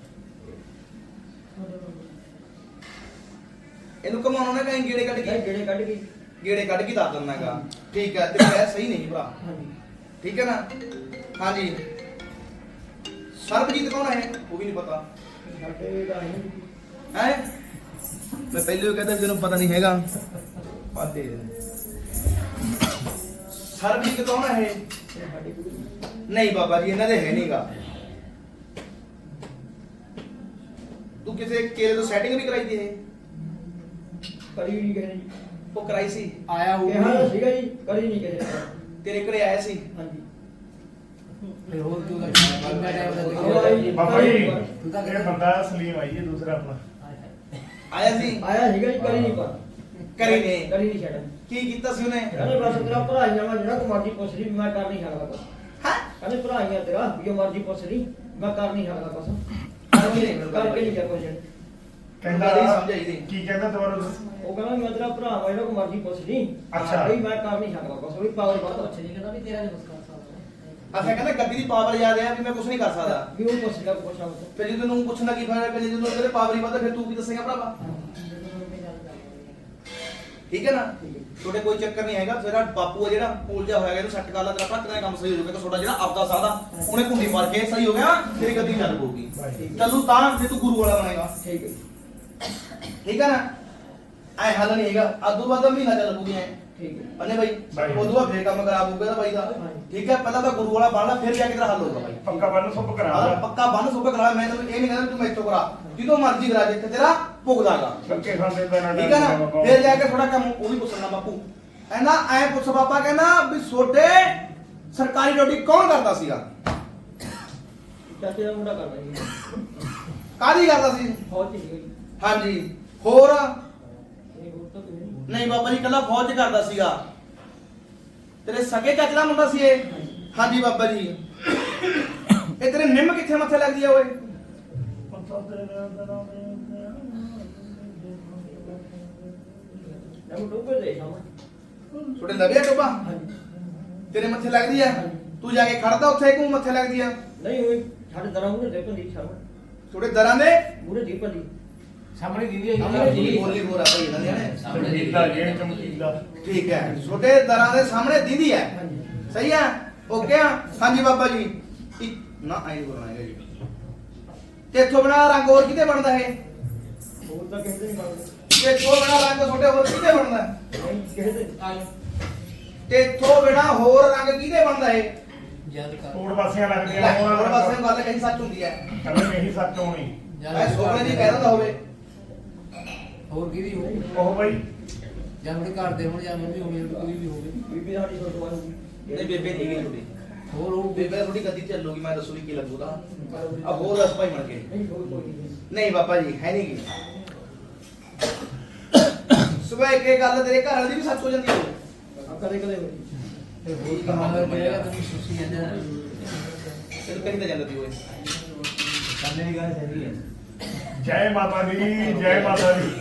Speaker 1: ਇਹਨੂੰ ਕਮਾਉਣਾ ਨਾ ਕਹੀਂ ਗੇੜੇ ਕੱਢ
Speaker 3: ਇਹ
Speaker 1: ਕੇ
Speaker 3: ਜਿਹੜੇ ਕੱਢ ਕੇ
Speaker 1: ਗੇੜੇ ਕੱਢ ਕੇ ਦੱਸ ਦਿੰਦਾਗਾ ਠੀਕ ਹੈ ਤੇ ਮੈਂ ਸਹੀ ਨਹੀਂ ਭਰਾ
Speaker 3: ਹਾਂਜੀ
Speaker 1: ਠੀਕ ਹੈ ਨਾ ਹਾਂਜੀ ਸਰਬਜੀਤ ਕੌਣ ਹੈ ਉਹ ਵੀ ਨਹੀਂ ਪਤਾ
Speaker 3: ਸਾਡੇ ਦਾ ਨਹੀਂ
Speaker 1: ਹੈ ਮੈਂ ਪਹਿਲੇ ਹੀ ਕਹਿੰਦਾ ਤੈਨੂੰ ਪਤਾ ਨਹੀਂ ਹੈਗਾ ਪਾਦੇ ਸਰਬਜੀਤ ਕੌਣ ਹੈ ਇਹ?
Speaker 3: ਸਾਡੇ ਕੋਲ
Speaker 1: ਨਹੀਂ ਬਾਬਾ ਜੀ ਇਹਨਾਂ ਦੇ ਹੈ ਨਹੀਂਗਾ ਤੂੰ ਕਿਸੇ ਕੇਲੇ ਤੋਂ ਸੈਟਿੰਗ ਵੀ ਕਰਾਈ ਦੀ ਇਹ
Speaker 3: ਕਰੀ ਨਹੀਂ ਗਏ ਜੀ
Speaker 1: ਉਹ ਕਰਾਈ ਸੀ
Speaker 4: ਆਇਆ
Speaker 3: ਕਿਹਾ
Speaker 4: ਹੋਊਗਾ
Speaker 3: ਸੀਗਾ ਜੀ ਕਰੀ ਨਹੀਂ ਗਏ
Speaker 1: ਤੇਰੇ ਘਰੇ ਆਇਆ ਸੀ
Speaker 3: ਹਾਂਜੀ
Speaker 4: ਫਿਰ ਹੋਰ ਕਿਉਂ ਲੱਗਦਾ ਇੰਨਾ ਟਾਈਮ ਦਾ ਦੇਖਿਆ
Speaker 2: ਬਾਬਾ ਜੀ
Speaker 4: ਤੂੰ ਤਾਂ
Speaker 2: ਇਹ ਬੰਦਾ ਸਲੀਮ ਆਈ ਹੈ ਦੂਸਰਾ ਆਪਣਾ
Speaker 1: ਆਇਆ ਸੀ
Speaker 3: ਆਇਆ ਸੀਗਾ ਜੀ ਕਰੀ ਨਹੀਂ ਪਰ
Speaker 1: ਕਰੀ ਨੇ
Speaker 3: ਕਰੀ ਨਹੀਂ ਛੱਡ
Speaker 1: ਕੀ ਕੀਤਾ ਸੀ ਉਹਨੇ
Speaker 3: ਕਹਿੰਦੇ ਬਸ ਤੇਰਾ ਭਰਾ ਹੀ ਜਾਵਾ ਜਿਹੜਾ ਕੋ ਮਰਜੀ ਪੁੱਛ ਲਈ ਮੈਂ ਕਰ ਨਹੀਂ ਸਕਦਾ ਕੁਛ
Speaker 1: ਹਾਂ
Speaker 3: ਕਹਿੰਦੇ ਭਰਾ ਹੀ ਆ ਤੇਰਾ ਜੋ ਮਰਜੀ ਪੁੱਛ ਲਈ ਮੈਂ ਕਰ ਨਹੀਂ ਸਕਦਾ ਕੁਛ ਕਰਕੇ ਨਹੀਂ ਜਾ ਕੁਛ
Speaker 2: ਕਹਿੰਦਾ
Speaker 1: ਨਹੀਂ ਸਮਝਾਈ ਦੀ
Speaker 2: ਕੀ ਕਹਿੰਦਾ ਦੁਬਾਰਾ
Speaker 3: ਉਹ ਕਹਿੰਦਾ ਮੈਂ ਤੇਰਾ ਭਰਾ ਵਾ ਜਿਹੜਾ ਕੋ ਮਰਜੀ ਪੁੱਛ ਲਈ
Speaker 2: ਅੱਛਾ।
Speaker 3: ਬਈ ਮੈਂ ਕਰ ਨਹੀਂ ਸਕਦਾ ਕੁਛ ਵੀ ਪਾਵਰ ਵੱਧ
Speaker 4: ਅੱਛਾ ਨਹੀਂ ਕਹਿੰਦਾ ਵੀ ਤੇਰਾ ਨਹੀਂ ਮੁਸਕਰਾ ਸਕਦਾ
Speaker 1: ਅੱਛਾ ਕਹਿੰਦਾ ਗੱਦੀ ਦੀ ਪਾਵਰ ਯਾਦ ਆ ਵੀ ਮੈਂ ਕੁਝ ਨਹੀਂ ਕਰ ਸਕਦਾ
Speaker 3: ਵੀ ਉਹ ਪੁੱਛ ਲਿਆ ਪੁੱਛਾ ਉਹ
Speaker 1: ਫਿਰ ਜੇ ਤੈਨੂੰ ਪੁੱਛਣਾ ਕੀ ਫਾਇਦਾ ਕਿ ਜਦੋਂ ਤੇਰੇ ਪਾਵਰ ਹੀ ਵੱਧਦਾ ਫਿਰ ਤੂੰ ਕੀ ਦੱਸੇਗਾ ਭਰਾਵਾ ਠੀਕ ਹੈ ਨਾ ਤੁਹਾਡੇ ਕੋਈ ਚੱਕਰ ਨਹੀਂ ਹੈਗਾ ਤੇਰਾ ਬਾਪੂ ਆ ਜਿਹੜਾ ਕੋਲ ਜਾ ਹੋਇਆ ਇਹਨੂੰ ਸੈੱਟ ਕਰ ਲਾ ਤੇਰਾ ਭਰਾ ਤੇਰਾ ਕੰਮ ਸਹੀ ਹੋ ਜਾਊਗਾ ਤੁਹਾਡਾ ਜਿਹੜਾ ਆਪਦਾ ਸਾਦਾ ਉਹਨੇ ਕੁੰਡੀ ਮਾਰ ਕੇ ਸਹੀ ਹੋ ਗਿਆ ਤੇਰੀ ਗੱਦੀ ਚੱਲ ਪਊਗੀ ਚੱਲੂ ਤਾਂ ਜੇ ਤੂੰ ਗੁਰੂ ਵਾਲਾ ਬਣੇਗਾ
Speaker 3: ਠੀਕ ਹੈ
Speaker 1: ਠੀਕ ਹੈ ਨਾ ਐ ਹੱਲ ਨਹੀਂ ਹੈਗਾ ਅੱਧੂ ਬਾਅਦ ਮਹੀਨਾ ਚੱਲ ਪੂਗੀ ਐ
Speaker 3: ਠੀਕ ਹੈ
Speaker 1: ਅੰਨੇ ਬਾਈ
Speaker 2: ਬਾਈ।
Speaker 1: ਉਦੋਂ ਬਾਅਦ ਫੇਰ ਕੰਮ ਕਰਾ ਪਊਗਾ ਨਾ ਬਾਈ ਦਾ ਠੀਕ ਹੈ ਪਹਿਲਾਂ ਤਾਂ ਗੁਰੂ ਵਾਲਾ ਬਣਨਾ ਫਿਰ ਜਾ ਕੇ ਤੇਰਾ ਹੱਲ ਹੋਊਗਾ ਬਾਈ
Speaker 2: ਪੱਕਾ ਬੰਨ ਸੁੱਪ
Speaker 1: ਆਹ
Speaker 2: ਕਰਾ
Speaker 1: ਪੱਕਾ ਬੰਨ ਸੁੱਕ ਕਰਾ ਮੈਂ ਤੈਨੂੰ ਇਹ ਨਹੀਂ ਕਹਿੰਦਾ ਤੂੰ ਮੈਥੋਂ ਕਰਾ ਜਦੋਂ ਮਰਜ਼ੀ ਕਰਾ ਜਿੱਥੇ ਤੇਰਾ ਭੁਗਦਾਗਾ
Speaker 2: ਧੱਕੇ ਖਾਂਦੇ ਪੈਣਾ
Speaker 1: ਠੀਕ ਹੈ ਨਾ ਫਿਰ ਜਾ ਕੇ ਥੋੜਾ ਕੰਮ ਉਹ ਵੀ ਪੁੱਛਣਾ ਬਾਪੂ ਕਹਿੰਦਾ ਐ ਪੁੱਛ ਬਾਬਾ ਕਹਿੰਦਾ ਵੀ ਛੋਟੇ ਸਰਕਾਰੀ ਡਿਊਟੀ ਕੌਣ ਕਰਦਾ ਸੀਗਾ
Speaker 3: ਚਾਚੇ ਦਾ ਮੁੰਡਾ ਕਰਦਾ ਜੀ
Speaker 1: ਕਾਹਦੀ ਕਰਦਾ ਸੀ
Speaker 3: ਫੌਜ ਚ ਸੀਗਾ ਜੀ
Speaker 1: ਹਾਂਜੀ ਹੋਰ
Speaker 3: ਇਹ ਹੋਰ ਤਾਂ ਕੋਈ ਨਹੀਂ
Speaker 1: ਨਹੀਂ ਬਾਬਾ ਜੀ ਕੱਲਾ ਫੌਜ 'ਚ ਕਰਦਾ ਸੀਗਾ ਤੇਰੇ ਸਕੇ ਚਾਚੇ ਦਾ ਮੁੰਡਾ ਸੀ ਇਹ ਹਾਂਜੀ ਬਾਬਾ ਜੀ ਇਹ ਤੇਰੇ ਨਿੰਮ ਕਿੱਥੇ ਮੱਥੇ ਲੱਗਦੀ ਆ ਓਏ
Speaker 3: ਮੈਂ ਡੋਬੇ ਦੇ ਸਾਹਮਣੇ
Speaker 1: ਛੋਟੇ ਲਵਿਆ ਟੋਬਾ
Speaker 3: ਹਾਂਜੀ
Speaker 1: ਤੇਰੇ ਮੱਥੇ ਲੱਗਦੀ ਆ ਤੂੰ ਜਾ ਕੇ ਖੜਦਾ ਉੱਥੇ ਕਿਉਂ ਮੱਥੇ ਲੱਗਦੀ ਆ
Speaker 3: ਨਹੀਂ ਉਹ ਸਾਡੇ ਦਰਾਂ ਮੂਰੇ ਦੇ ਪੰਦੀ ਸਾਹਮਣੇ
Speaker 1: ਛੋਟੇ ਦਰਾਂ ਦੇ
Speaker 3: ਮੂਰੇ ਦੀ ਪੰਦੀ
Speaker 4: ਸਾਹਮਣੇ ਦੀਦੀ
Speaker 3: ਸਾਹਮਣੇ ਦੀਦੀ।
Speaker 1: ਬੋਲੀ ਬੋਰਾ ਭਾਈ ਇਹਨਾਂ ਦੇ ਨੇ
Speaker 2: ਚਮਕੀਲਾ ਜੇ ਚਮਕੀਲਾ
Speaker 1: ਠੀਕ ਹੈ ਛੋਟੇ ਦਰਾਂ ਦੇ ਸਾਹਮਣੇ ਦੀਦੀ ਹੈ
Speaker 3: ਹਾਂਜੀ
Speaker 1: ਸਹੀ ਹੈ ਓਕੇ ਆ ਹਾਂਜੀ ਬਾਬਾ ਜੀ ਨਾ ਆਈ ਬੋਲਣਾ ਹੈਗਾ ਜੀ ਤੇਥੋਂ ਬਿਨਾ ਰੰਗ ਹੋਰ ਕਿਤੇ ਬਣਦਾ ਇਹ?
Speaker 3: ਹੋਰ ਤਾਂ ਕਿਸੇ ਦੇ ਨਹੀਂ ਬਣਦੇ
Speaker 1: ਤੇਥੋਂ ਬਿਨਾ ਰੰਗ ਤੁਹਾਡੇ ਹੋਰ ਕਿਤੇ ਬਣਦਾ?
Speaker 3: ਨਹੀਂ ਕਿਸੇ ਦੇ
Speaker 1: ਤੇਥੋਂ ਬਿਨਾ ਹੋਰ ਰੰਗ ਕਿਤੇ ਬਣਦਾ ਇਹ?
Speaker 4: ਯਾਦ ਕਰ
Speaker 2: ਕੋੜ ਪਾਸੀਆਂ ਲੱਗਦੀਆਂ
Speaker 1: ਲੈ, ਹੋਰ ਪਾਸੇ ਗੱਲ ਕਹੀ ਸੱਚ ਹੁੰਦੀ ਹੈ।
Speaker 2: ਕਹਿੰਦੇ ਨਹੀਂ ਸੱਚ ਹੋਣੀ
Speaker 1: ਐ ਸੋਹਣੇ ਦੀ ਕਹਿ ਦਿੰਦਾ ਹੋਵੇ।
Speaker 4: ਹੋਰ ਕਿਹਦੀ ਹੋਊ
Speaker 2: ਉਹ ਬਈ
Speaker 4: ਜਾਂ ਆਪਣੇ ਘਰ ਦੇ ਹੋਣ ਜਾਂ ਮੰਮੀ ਹੋਵੇ ਕੋਈ ਵੀ ਹੋਵੇ
Speaker 3: ਬੀਬੀ ਸਾਡੀ ਫੋਟੋ ਆਉਂਦੀ
Speaker 1: ਨਹੀਂ ਬੇਬੇ ਨਹੀਂ ਗਈ ਤੁਹਾਡੀ।
Speaker 4: ਹੋਰ ਉਹ
Speaker 1: ਬੇਬੇ ਥੋੜੀ ਗੱਦੀ ਚੱਲੂਗੀ, ਮੈਂ ਦੱਸੂਗੀ ਕੀ ਲੱਗੂਗਾ। ਆ ਹੋਰ ਦੱਸ ਭਾਈ ਮਣ ਕੇ।
Speaker 3: ਨਹੀਂ ਕੋਈ ਨਹੀਂ
Speaker 1: ਨਹੀਂ ਬਾਬਾ ਜੀ ਹੈ ਨਹੀਂ ਗੀ। ਸਵੇਰ ਕੇ ਗੱਲ ਤੇਰੇ ਘਰ ਵਾਲੀ ਦੀ ਵੀ ਸੱਚ ਹੋ ਜਾਂਦੀ ਹੈ।
Speaker 3: ਕਦੇ ਕਦੇ ਹੋਈ
Speaker 4: ਤੇ ਹੋਰ ਕਮਾਲ ਕਰੇਗਾ ਤੈਨੂੰ ਸੁਸੀ ਜਾਂਦਾ
Speaker 1: ਤੈਨੂੰ ਕਰੀ ਤਾਂ ਜਾਂਦਾ ਤੀ ਓਏ।
Speaker 4: ਸਾਹਮਣੇ ਦੀ ਗੱਲ ਸਹੀ ਹੈ
Speaker 2: ਜੈ ਮਾਤਾ ਦੀ ਜੈ ਮਾਤਾ ਦੀ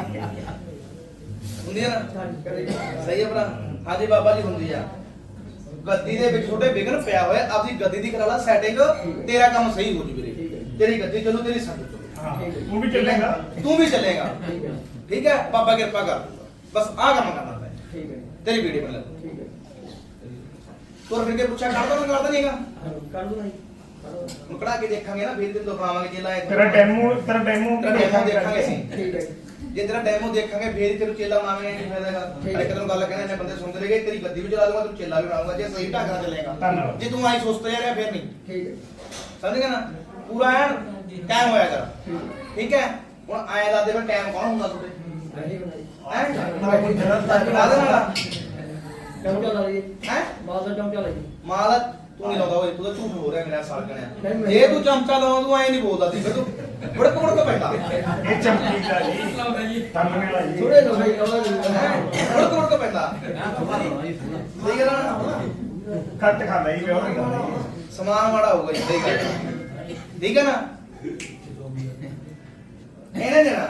Speaker 1: ਹੁੰਦੀ ਹੈ ਨਾ?
Speaker 3: ਸਾਡੀ ਕਦੇ
Speaker 1: ਸਹੀ ਹੈ ਭਰਾ। ਹਾਂਜੀ ਬਾਬਾ ਜੀ ਹੁੰਦੀ ਆ। ਗੱਦੀ ਦੇ ਵਿੱਚ ਛੋਟੇ ਵਿਗਨ ਪਿਆ ਹੋਇਆ, ਆਪਦੀ ਗੱਦੀ ਦੀ ਕਰਾ ਲਾ ਸੈਟਿੰਗ, ਤੇਰਾ ਕੰਮ ਸਹੀ ਹੋ ਜੂ ਵੀਰੇ। ਤੇਰੀ ਗੱਦੀ ਚੱਲੂ, ਤੇਰੀ ਸੰਗ ਚੱਲੂ।
Speaker 2: ਹਾਂ ਤੂੰ ਵੀ ਚੱਲੇਗਾ
Speaker 1: ਤੂੰ ਵੀ ਚੱਲੇਗਾ।
Speaker 3: ਠੀਕ ਹੈ
Speaker 1: ਠੀਕ ਹੈ ਬਾਬਾ ਕਿਰਪਾ ਕਰ ਦੂਗਾ। ਬਸ ਆਹ ਕੰਮ ਕਰਨਾ ਹੈ।
Speaker 3: ਠੀਕ ਹੈ
Speaker 1: ਤੇਰੀ ਵੀਡੀਓ ਬਣਾ ਲੈ।
Speaker 3: ਠੀਕ ਹੈ
Speaker 1: ਤੁਰ ਫਿਰ ਕੇ ਪੁੱਛਿਆ ਕਰਦਾ ਨਾ ਕਰਦਾ ਨਹੀਂਗਾ।
Speaker 3: ਕਰ ਦੂੰ ਨਹੀਂ
Speaker 1: ਹੁਣ ਕਢਾ ਕੇ ਦੇਖਾਂਗੇ ਨਾ, ਫਿਰ ਤੈਨੂੰ ਦਿਖਾਵਾਂਗੇ ਚੇਲਾ ਇਹ।
Speaker 2: ਤੇਰਾ ਡੈਮੋ
Speaker 1: ਦੇਖਾਂਗੇ ਅਸੀਂ।
Speaker 3: ਠੀਕ ਹੈ
Speaker 1: ਜੇ ਤੇਰਾ ਡੈਮੋ ਦੇਖਾਂਗੇ ਫੇਰ ਹੀ ਤੈਨੂੰ ਚੇਲਾ ਬਣਾਵਾਂਗੇ। ਕੀ ਫਾਇਦਾ ਹੈਗਾ? ਇੱਕ ਤੈਨੂੰ ਗੱਲ ਕਹਿੰਦੇ ਨੇ ਬੰਦੇ ਸੁਣਦੇ ਰਹੇਗੇ, ਤੇਰੀ ਗੱਦੀ ਵੀ ਚਲਾ ਦੂੰਗਾ, ਤੈਨੂੰ ਚੇਲਾ ਵੀ ਬਣਾਉਂਗਾ ਜੇ ਸਹੀ ਢੰਗ ਨਾਲ ਚੱਲੇਗਾ।
Speaker 2: ਧੰਨਵਾਦ।
Speaker 1: ਜੇ ਤੂੰ ਆਈ ਸੁਸਤ ਜਾ ਰਿਹਾ ਫਿਰ ਨਹੀਂ।
Speaker 3: ਠੀਕ ਹੈ
Speaker 1: ਸਮਝ ਗਿਆ ਨਾ? ਪੂਰਾ ਐਨ ਟਾਈਮ ਹੋਇਆ ਕਰ। ਠੀਕ ਹੈ ਹੁਣ ਐਂ ਦੱਸ ਦੇ ਫਿਰ ਟਾਈਮ ਕੌਣ ਹੁੰਦਾ ਤੁਹਾਡੇ?
Speaker 3: ਨਹੀਂ ਬਣਾਈ
Speaker 1: ਹੈ
Speaker 2: ਕੋਈ ਜਗ੍ਹਾ
Speaker 1: ਕਾਹਦੇ ਨਾਲ?
Speaker 3: ਚੌਂਕਾ ਲਾ ਲਈ
Speaker 1: ਹੈ
Speaker 3: ਮਾਲ ਦਾ ਚੌਂਕਾ ਲਾ ਲਈ
Speaker 1: ਮਾਲ ਤੂੰ ਨਹੀਂ ਲਾਉਂਦਾ ਓਏ, ਤੂੰ ਤਾਂ ਝੂਠ ਹੋ ਰਿਹਾ ਮੇਰਾ ਸਾਲ
Speaker 3: ਨਹੀਂ,
Speaker 1: ਗਣਿਆ।
Speaker 3: ਮੈਂ-
Speaker 1: ਜੇ ਤੂੰ ਚਮਚਾ ਲਾਉਂ ਤੂੰ ਐਂ ਨਹੀਂ ਬੋਲਦਾ ਸੀ, ਫਿਰ ਤੂੰ ਬੜਕ ਬੜਕ ਪੈਂਦਾ।
Speaker 2: ਇਹ ਚਮਕੀ ਦਾ ਜੀ ਤੰਨੇ ਵਾਲਾ ਜੀ
Speaker 3: ਥੋੜੇ ਲੋਕ ਹੀ ਲਾਉਂਦਾ
Speaker 1: ਬੜਕ ਬੜਕ ਪੈਂਦਾ। ਸਹੀ ਗੱਲ ਆ ਨਾ?
Speaker 2: ਘੱਟ ਖਾਂਦਾ ਜੀ ਪਿਓ ਨਹੀਂ ਖਾਂਦਾ ਜੀ।
Speaker 1: ਸਮਾਨ ਮਾੜਾ ਹੋਊਗਾ ਜੀ, ਸਹੀ ਗੱਲ ਹੈ। ਠੀਕ ਹੈ ਨਾ? ਇਹਨੇ ਦੇਣਾ।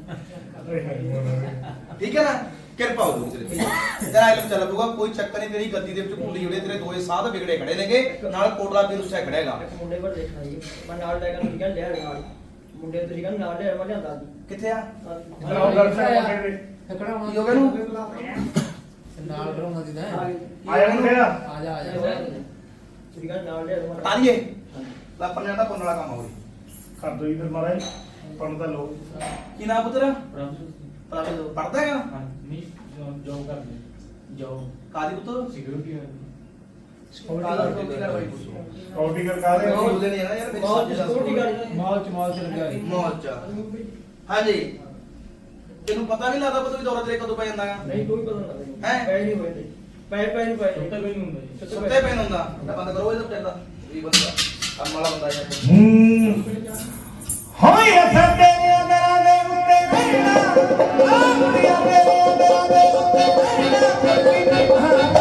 Speaker 1: ਠੀਕ ਹੈ ਨਾ? ਕਿਰਪਾ ਹੋ ਜੂ ਤੇਰੇ ਤੇ। ਤੇਰਾ ਇਲਮ ਚੱਲ ਪਊਗਾ, ਕੋਈ ਚੱਕਰ ਨਹੀਂ। ਤੇਰੀ ਗੱਦੀ ਦੇ ਵਿੱਚ ਕੁੰਡੀ ਜੁੜੇ, ਤੇਰੇ ਦੋਏ ਸਾਧ ਵਿਗੜੇ ਖੜੇ ਨੇਗੇ, ਨਾਲ ਕੋਟਲਾ ਵੀ ਉਸੇ ਖੜੇਗਾ।
Speaker 3: ਇੱਕ ਮੁੰਡੇ ਪਰ ਦੇਖਣਾ ਜੀ ਮੈਂ ਨਾਲ ਲੈ ਕੇ ਨਿਕਲ ਲਿਆ ਨਾਲ ਮੁੰਡੇ ਤੁਸੀਂ ਕਹਿੰਦੇ ਨਾਲ ਲਿਆ ਮੈਂ ਲਿਆਂਦਾ ਜੀ
Speaker 1: ਕਿੱਥੇ ਆ?
Speaker 2: ਬਣਾਓ ਦਰਸ਼ਨ ਮੁੰਡੇ ਦੇ
Speaker 4: ਟਕੜਾ ਹੋਣਾ
Speaker 1: ਕੀ ਹੋ ਗਿਆ ਨੂੰ?
Speaker 4: ਨਾਲ ਕਰਾਉਣਾ ਦੀ ਨਾ
Speaker 2: ਆਇਆ ਮੁੰਡੇ ਦਾ
Speaker 4: ਆ ਜਾ ਆ ਜਾ
Speaker 3: ਤੁਸੀਂ ਕਹਿੰਦੇ ਨਾਲ ਲਿਆ ਮੈਂ
Speaker 1: ਤਾਰੀਏ ਲਾ ਪੰਨਿਆ ਦਾ ਪੁੰਨ ਵਾਲਾ ਕੰਮ ਹੋਵੇ।
Speaker 2: ਕਰ ਦੋ ਜੀ ਫਿਰ ਮਹਾਰਾਜ ਪਣ ਤਾਂ ਲੋ
Speaker 1: ਕੀ ਨਾਮ ਪੁੱਤਰ? ਪੜਦਾ ਹੈਗਾ? ਕਾਦੀ ਪੁੱਤਰ?
Speaker 2: ਕੌਡੀ ਕਰ ਕਾਦੇ
Speaker 1: ਬੋਲਦੇ ਨਹੀਂ ਆ ਨਾ ਯਾਰ, ਮੇਰੀ
Speaker 3: ਬਹੁਤ
Speaker 1: ਸਮਝ
Speaker 3: ਸਕਿਉਰਟੀ
Speaker 1: ਦੱਸ।
Speaker 3: ਗਾਰਡ
Speaker 4: ਮਾਲ ਚ ਲੱਗਿਆ ਸੀ
Speaker 1: ਮੌਜ। ਹਾਂਜੀ ਤੈਨੂੰ ਪਤਾ ਨਹੀਂ ਲੱਗਦਾ ਪਤਾ ਵੀ ਦੌਰਾ ਤੇਰੇ ਕਦੋਂ ਪੈ ਜਾਂਦਾ ਹੈ?
Speaker 3: ਨਹੀਂ ਕੋਈ ਪਤਾ ਨਹੀਂ
Speaker 1: ਹੈਂ?
Speaker 3: ਪੈ ਨਹੀਂ ਹੋਏ ਤੇ ਪੈ ਨਹੀਂ ਪਏ ਸੁੱਤੇ ਪੈ ਨਹੀਂ ਹੁੰਦਾ
Speaker 1: ਸੁੱਤੇ ਪੈਣ ਹੁੰਦਾ। ਬੰਦ ਕਰੋ ਇਹਦਾ ਚੱਲਦਾ ਇਹ ਬੰਦਾ ਕੰਮ ਵਾਲਾ ਬੰਦਾ ਯਾਰ।
Speaker 2: ਹੋਏ ਅਸਾਂ ਤੇਰੇ ਅੰਦਰਾਂ ਦੇ ਉੱਤੇ ਬੈਠਣਾ ਆਖੜੀਆਂ ਤੇਰੇ ਅੰਦਰਾਂ ਦੇ ਉੱਤੇ ਬੈਠਣਾ ਕੋਈ ਨਹੀਂ ਬਹਾਨਾ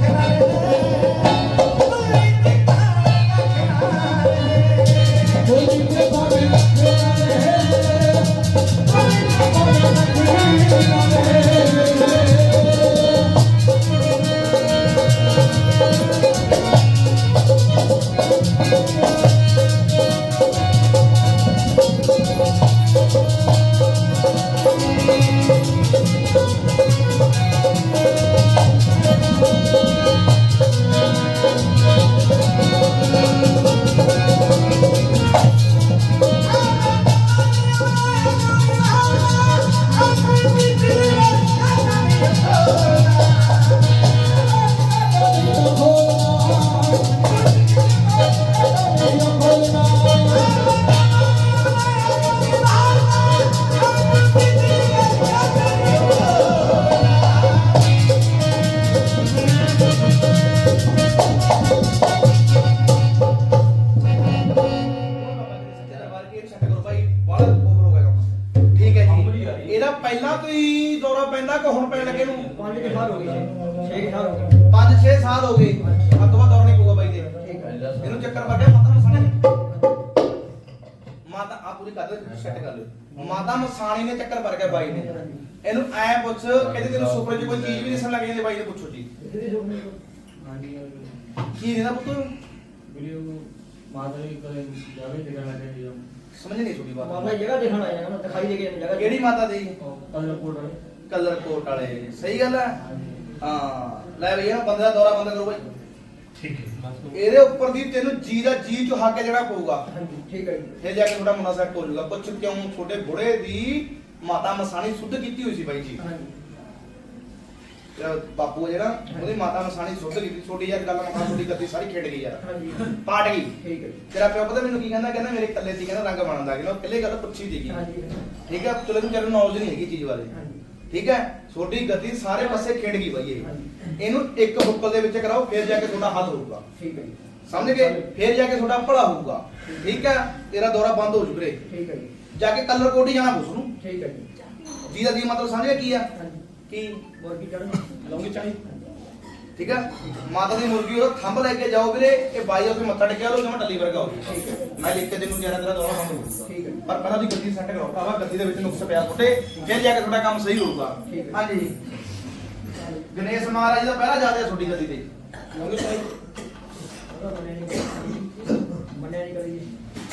Speaker 1: ਇਹਦਾ ਪਹਿਲਾਂ ਤੋਂ ਹੀ ਦੌਰਾ ਪੈਂਦਾ ਕਿ ਹੁਣ ਪੈਣ ਲੱਗੇ ਨੂੰ?
Speaker 3: 5 ਸਾਲ ਹੋ ਗਏ 6 ਸਾਲ ਹੋ ਗਏ
Speaker 1: 5-6 ਸਾਲ ਹੋ ਗਏ। ਅੱਜ ਤੋਂ ਬਾਅਦ ਦੌਰਾ ਨਹੀਂ ਪਊਗਾ ਬਾਈ ਦੇ।
Speaker 3: ਠੀਕ ਹੈ
Speaker 1: ਇਹਨੂੰ ਚੱਕਰ ਵੱਜਿਆ ਮਾਤਾ ਮਸਾਣੀ। ਮਾਤਾ ਆ ਪੂਰੀ ਕਰ ਦੇ ਸੈੱਟ ਕਰ ਲਿਓ। ਮਾਤਾ ਮਸਾਣੀ ਨੇ ਚੱਕਰ ਵਰ ਗਿਆ ਬਾਈ ਨੇ। ਇਹਨੂੰ ਐ ਪੁੱਛ ਕਹਿੰਦੇ ਤੈਨੂੰ ਸੁਪਨੇ 'ਚ ਕੋਈ ਚੀਜ਼ ਵੀ ਦਿਸਣ ਲੱਗ ਜਾਂਦੀ ਬਾਈ ਨੇ ਪੁੱਛੋ ਜੀ ਕੀ ਦੇਣਾ ਪੁੱਤ? ਸਮਝ ਨਹੀਂ ਸੁਣੀ ਬਾਤ।
Speaker 3: ਮਾਮਾ ਜਗ੍ਹਾ ਦਿਖਾਣ ਆਇਆ ਨਾ ਦਿਖਾਈ ਦੇ ਕੇ ਜਗ੍ਹਾ
Speaker 1: ਕਿਹੜੀ ਮਾਤਾ ਦੀ?
Speaker 3: ਕੋਲ
Speaker 1: ਕਲਰ ਕੋਟ ਵਾਲੇ। ਸਹੀ ਗੱਲ ਹੈ। ਹਾਂ ਲੈ ਭਈਆ ਬੰਦੇ ਦਾ ਦੌਰਾ ਬੰਦ ਕਰੋ ਬਾਈ।
Speaker 2: ਠੀਕ ਹੈ
Speaker 1: ਇਹਦੇ ਉੱਪਰ ਦੀ ਤੈਨੂੰ ਜੀ ਦਾ ਜੀ ਚੁਹਾ ਕੇ ਜਿਹੜਾ ਪਊਗਾ
Speaker 3: ਹਾਂਜੀ ਠੀਕ ਹੈ ਜੀ
Speaker 1: ਫਿਰ ਜਾ ਕੇ ਤੁਹਾਡਾ ਮੁੰਡਾ ਸੈੱਟ ਹੋ ਜਾਊਗਾ। ਪੁੱਛ ਕਿਉਂ? ਛੋਟੇ ਬੁੜੇ ਦੀ ਮਾਤਾ ਮਸਾਣੀ ਸੁੱਧ ਕੀਤੀ ਹੋਈ ਸੀ ਬਾਈ ਜੀ।
Speaker 3: ਹਾਂਜੀ
Speaker 1: ਜਿਹੜਾ ਬਾਪੂ ਆ ਜਿਹੜਾ ਉਹਦੀ ਮਾਤਾ ਮਸਾਣੀ ਸੁੱਧ ਕੀਤੀ। ਛੋਟੀ ਯਾਰ ਗੱਲ ਮਖਾ ਛੋਟੀ ਗੱਦੀ ਸਾਰੀ ਖੇਡ ਗਈ ਯਾਰ,
Speaker 3: ਹਾਂਜੀ
Speaker 1: ਪਾਟ ਗਈ।
Speaker 3: ਠੀਕ ਹੈ ਜੀ
Speaker 1: ਤੇਰਾ ਪਿਓ ਪਤਾ ਮੈਨੂੰ ਕੀ ਕਹਿੰਦਾ? ਕਹਿੰਦਾ ਮੇਰੇ ਇਕੱਲੇ ਦੀ ਕਹਿੰਦਾ ਰੰਗ ਬਣਨ ਲੱਗ ਗਿਆ। ਉਹ ਇਕੱਲੇ ਗੱਲ ਪੁੱਛੀ ਸੀਗੀ।
Speaker 3: ਹਾਂਜੀ
Speaker 1: ਠੀਕ ਹੈ, ਚਲੋ ਤੈਨੂੰ ਨੌਲੇਜ ਨਹੀਂ ਹੈਗੀ ਚੀਜ਼ ਬਾਰੇ।
Speaker 3: ਹਾਂਜੀ
Speaker 1: ਠੀਕ ਹੈ, ਛੋਟੀ ਗੱਦੀ ਸਾਰੇ ਪਾਸੇ ਖੇਡ ਗਈ ਬਾਈ ਇਹ।
Speaker 3: ਹਾਂਜੀ
Speaker 1: ਇਹਨੂੰ ਇੱਕ ਹੁੱਕਲ ਦੇ ਵਿੱਚ ਕਰਾਓ ਫਿਰ ਜਾ ਕੇ ਤੁਹਾਡਾ ਹੱਲ ਹੋਊਗਾ।
Speaker 3: ਠੀਕ ਹੈ ਜੀ
Speaker 1: ਸਮਝ ਗਏ? ਫਿਰ ਜਾ ਕੇ ਤੁਹਾਡਾ ਭਲਾ ਹੋਊਗਾ। ਠੀਕ ਹੈ, ਤੇਰਾ ਦੌਰਾ ਬੰਦ ਹੋ ਜੂ ਵੀਰੇ।
Speaker 3: ਠੀਕ ਹੈ ਜੀ
Speaker 1: ਜਾ ਕੇ ਕਲਰ ਕੋਡ ਹੀ ਜਾਣਾ ਪੁੱਛ ਨੂੰ।
Speaker 3: ਠੀਕ ਹੈ ਜੀ
Speaker 1: ਜੀ ਦਾ ਜੀ ਮਤਲਬ ਸਮਝ ਗਿਆ ਕੀ ਆ?
Speaker 3: ਹਾਂਜੀ
Speaker 1: ਕੀ
Speaker 3: ਮੁਰਗੀ ਚੜ੍ਹ
Speaker 1: ਲੌਂਗੀ ਚਾਹੀ। ਠੀਕ ਹੈ, ਮਾਤਾ ਦੀ ਮੁਰਗੀ ਉਹ ਥੰਬ ਲੈ ਕੇ ਜਾਓ ਵੀਰੇ। ਇਹ ਬਾਈ ਉੱਥੇ ਮੱਥਾ ਟੇਕਿਆ ਲੋ ਜਿਵੇਂ ਟੱਲੀ ਵਰਗਾ ਹੋ ਗਿਆ।
Speaker 3: ਠੀਕ ਹੈ
Speaker 1: ਮੈਂ ਲਿਖ ਕੇ ਤੈਨੂੰ ਕਹਿ ਰਿਹਾ ਤੇਰਾ ਦੌਰਾ ਬੰਦ ਹੋ ਜਾਊਗਾ।
Speaker 3: ਠੀਕ ਹੈ
Speaker 1: ਪਰ ਪਹਿਲਾਂ ਦੀ ਗੱਦੀ ਸੈੱਟ ਕਰੋ ਭਰਾਵਾ। ਗੱਦੀ ਦੇ ਵਿੱਚ ਨੁਕਸ ਪਿਆ ਤੁਹਾਡੇ, ਫਿਰ ਜਾ ਕੇ ਤੁਹਾਡਾ ਕੰਮ ਸਹੀ ਹੋਊਗਾ।
Speaker 3: ਠੀਕ ਹੈ।
Speaker 1: ਹਾਂਜੀ, ਗਣੇਸ਼ ਮਹਾਰਾਜ ਦਾ ਪਹਿਰਾ ਜ਼ਿਆਦਾ ਤੁਹਾਡੀ ਗੱਦੀ ਤੇ। ਲੌਂਗੀ ਚਾਹੀ।
Speaker 3: ਮੰਨਿਆ ਨਹੀਂ ਕਰੀ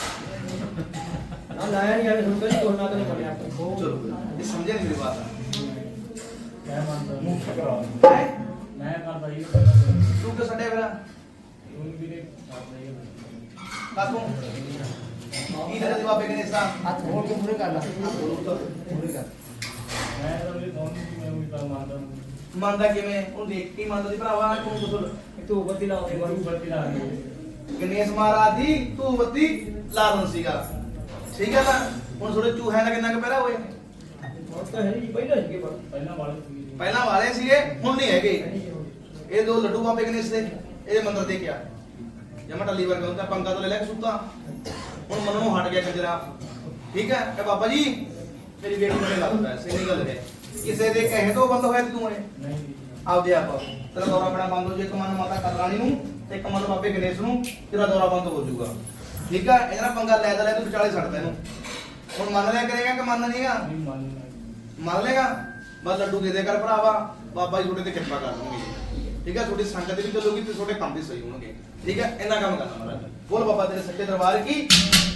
Speaker 3: ਨਾ ਲਾਇਆ ਨਹੀਂ ਆਵੇ ਸੁਣ ਕੇ ਕੋਈ ਨਾ ਤਾਂ ਬਣਿਆ
Speaker 1: ਚਲੋ ਇਹ ਸਮਝਿਆ ਨਹੀਂ ਮੇਰੀ ਬਾਤ।
Speaker 2: ਮੈਂ ਮੰਨਦਾ ਮੂੰਹ ਕਰਾ
Speaker 1: ਹੈ
Speaker 2: ਮੈਂ ਕਰਦਾ ਜੀ
Speaker 1: ਤੂੰ ਕਿ ਛੱਡਿਆ ਵੀਰਾ
Speaker 2: ਉਹ ਵੀਰੇ ਕਰਦਾ ਹੀ
Speaker 1: ਕਾਤੋਂ ਕੀ ਦੇ ਦੇ ਬਾਬੇ ਗਣੇਸ਼ ਦਾ
Speaker 4: ਹੱਥ ਮੋੜ ਕੇ ਮੂਰੇ ਕਰ ਲਾ ਮੂਰੇ ਕਰ।
Speaker 2: ਮੈਂ ਤਾਂ ਵੀ ਦੋਨ ਮੈਂ ਵੀ ਤਾਂ ਮੰਨਦਾ
Speaker 1: ਮੰਨਦਾ ਕਿਵੇਂ? ਉਹਨੂੰ ਦੇਖ ਕੇ ਹੀ ਮੰਨਦਾ ਸੀ ਭਰਾਵਾ। ਤੂੰ ਕੁਸਲ
Speaker 3: ਤੂੰ ਬੱਤੀ ਲਾਉਂਦੇ
Speaker 2: ਵਾਰੂ
Speaker 3: ਵਾਰੂ
Speaker 2: ਬੱਤੀ ਲਾ ਦੇ
Speaker 1: ਗਣੇਸ਼ ਮਹਾਰਾਜ ਦੀ ਤੂੰ ਬੱਤੀ ਲਾ ਦਿੰਦਾ ਸੀਗਾ। ਠੀਕ ਹੈ ਨਾ? ਹੁਣ ਥੋੜੇ ਚੂਹਿਆਂ ਦਾ ਕਿੰਨਾ ਕੁ ਪਹਿਰਾ ਹੋਏ?
Speaker 3: ਹੁਣ ਤਾਂ ਹੈ ਨਹੀਂ ਪਹਿਲਾਂ ਸੀਗੇ ਪਰ
Speaker 2: ਪਹਿਲਾਂ ਵਾਲੇ ਸੀ
Speaker 1: ਪਹਿਲਾਂ ਵਾਲੇ ਸੀਗੇ, ਹੁਣ ਨਹੀਂ ਹੈਗੇ। ਇਹ ਦੋ ਲੱਡੂ ਬਾਬੇ ਗਣੇਸ਼ ਦੇ ਇਹਦੇ ਮੰਦਰ ਦੇ ਕਿਆ ਜਮਾ ਟੱਲੀ ਵਰਗਾ ਹੁੰਦਾ। ਪੰਗਾ ਤੋਂ ਲੈ ਲੈ ਕੇ ਸੁੱਤਾ, ਹੁਣ ਮਨੋਂ ਹਟ ਗਿਆ ਕੰਜਰਾ। ਠੀਕ ਹੈ ਕਿ ਬਾਬਾ ਜੀ ਮੇਰੀ ਬੇਟੀ ਨੂੰ ਲੱਗਦਾ ਸਹੀ ਗੱਲ ਹੈ। ਕਿਸੇ ਦੇ ਕਹੇ ਤੋਂ ਬੰਦ ਹੋਇਆ ਤੂੰ ਇਹ
Speaker 2: ਨਹੀਂ ਜੀ
Speaker 1: ਆਪਦੇ ਆਪ ਤੇਰਾ ਦੌਰਾ ਬੜਾ ਬੰਦ ਹੋ ਜੇ। ਇੱਕ ਮਨ ਮਾਤਾ ਕਰਲਾਣੀ ਨੂੰ ਤੇ ਇੱਕ ਮਨ ਬਾਬੇ ਗਣੇਸ਼ ਨੂੰ ਤੇਰਾ ਦੌਰਾ ਬੰਦ ਹੋ ਜਾਊਗਾ। ਠੀਕ ਹੈ, ਇਹਦਾ ਨਾਲ ਪੰਗਾ ਲੈ ਤੂੰ ਵਿਚਾਲੇ ਛੱਡਦਾ ਇਹਨੂੰ। ਹੁਣ ਮੰਨ ਲਿਆ ਕਰੇਗਾ ਕਿ ਮੰਨ ਨਹੀਂਗਾ?
Speaker 2: ਨਹੀਂ ਮੰਨਦਾ
Speaker 1: ਮੰਨ ਲੇਗਾ? ਬਸ ਲੱਡੂ ਦੇ ਦੇ ਕਰ ਭਰਾਵਾ, ਬਾਬਾ ਜੀ ਤੁਹਾਡੇ ਤੇ ਕਿਰਪਾ ਕਰ ਦੇਣਗੇ। ਠੀਕ ਹੈ, ਤੁਹਾਡੀ ਸੰਗਤ ਵੀ ਚੱਲੂਗੀ ਤੇ ਤੁਹਾਡੇ ਕੰਮ ਵੀ ਸਹੀ ਹੋਣਗੇ। ਠੀਕ ਹੈ, ਇੰਨਾ ਕੰਮ ਕਰਨਾ ਮਹਾਰਾਜ। ਬੋਲ ਬਾਬਾ ਤੇਰੇ ਸੱਚੇ ਦਰਬਾਰ ਕੀ